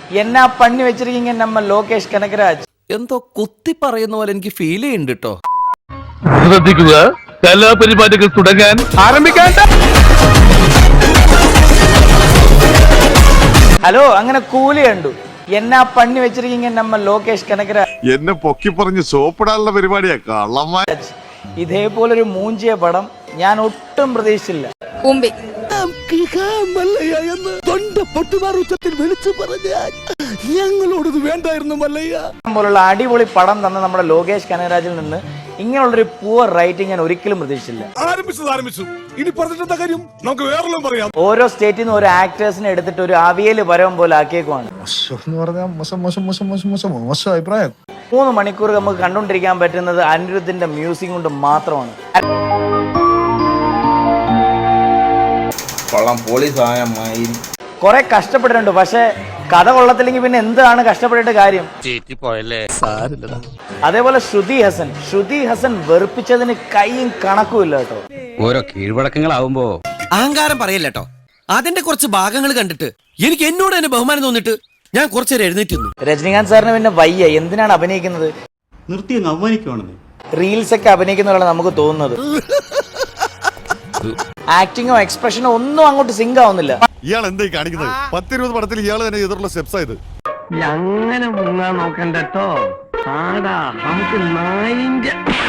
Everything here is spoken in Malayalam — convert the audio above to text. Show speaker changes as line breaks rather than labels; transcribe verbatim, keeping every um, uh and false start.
എന്നാ പണി വെച്ചിരിക്കീங்க നമ്മ ലോകേഷ് കനകരാജ്.
എന്തോ കുത്തി പറയുന്ന പോലെ എനിക്ക് ഫീൽ ചെയ്യുന്നുണ്ട് കേട്ടോ.
ശ്രദ്ധിക്കുക, കലാപരിപാടികൾ തുടങ്ങാൻ ആരംഭിക്കാൻ.
ഹലോ, അങ്ങനെ കൂലി കണ്ടു. എന്നാ പണി വെച്ചിരിക്കീங்க നമ്മ ലോകേഷ് കനകരാജ്.
എന്നെ പൊക്കി പറഞ്ഞ് സോപ്പിടാനുള്ള പരിപാടിയാ കള്ളന്മാർ.
ഇതേപോലൊരു മൂഞ്ചിയ പടം ഞാൻ ഒട്ടും പ്രതീക്ഷിച്ചില്ല.
ഞങ്ങളോടത് വേണ്ടായിരുന്നു മല്ലയ്യ
പോലുള്ള അടിപൊളി പടം തന്ന നമ്മുടെ ലോകേഷ് കനകരാജിൽ നിന്ന് ഇങ്ങനെയുള്ളൊരു പൂവർ റൈറ്റിംഗ് ഞാൻ ഒരിക്കലും പ്രതീക്ഷിച്ചില്ല. ഓരോ സ്റ്റേറ്റിൽ നിന്ന് ഓരോ ആക്ടേഴ്സിനെ എടുത്തിട്ട് ഒരു അവിയല് പരവം പോലെ ആക്കിയേക്കുവാണ്. മൂന്ന് മണിക്കൂർ നമുക്ക് കണ്ടുകൊണ്ടിരിക്കാൻ പറ്റുന്നത് അനിരുദ്ധിന്റെ മ്യൂസിക് കൊണ്ട് മാത്രമാണ്. കുറെ കഷ്ടപ്പെട്ടിട്ടുണ്ട്, പക്ഷെ കഥ കൊള്ളത്തില്ലെങ്കിൽ പിന്നെ എന്താണ് കഷ്ടപ്പെട്ടിട്ട് കാര്യം. അതേപോലെ ശ്രുതി ഹസൻ ശ്രുതി ഹസൻ വെറുപ്പിച്ചതിന് കൈയും കണക്കുമില്ല കേട്ടോ.
ഓരോ കീഴ്വഴക്കങ്ങളാവുമ്പോ
അഹങ്കാരം പറയല്ലോ. അതിന്റെ കുറച്ച് ഭാഗങ്ങൾ കണ്ടിട്ട് എനിക്ക് എന്നോട് തന്നെ ബഹുമാനം തോന്നിട്ട് ഞാൻ കുറച്ചേരം എഴുന്നേറ്റ്.
രജനീകാന്ത് സാറിന് പിന്നെ വയ്യ, എന്തിനാണ് അഭിനയിക്കുന്നത്?
നിർത്തി അവമാനിക്കുവാണെന്ന്
റീൽസ് ഒക്കെ അഭിനയിക്കുന്നതാണ് നമുക്ക് തോന്നുന്നത്. ആക്ടിങ്ങോ എക്സ്പ്രഷനോ ഒന്നും അങ്ങോട്ട് സിങ്ക് ആവുന്നില്ല.
ഇയാൾ എന്തായി കാണിക്കുന്നത്? പത്തിരുപത് പടത്തിൽ ഇയാൾ തന്നെ എതിർള്ള സ്റ്റെപ്സ് ആയത്.
അങ്ങനെ മുങ്ങാൻ നോക്കണ്ടോ. ആടാ നമുക്ക് നായിന്റെ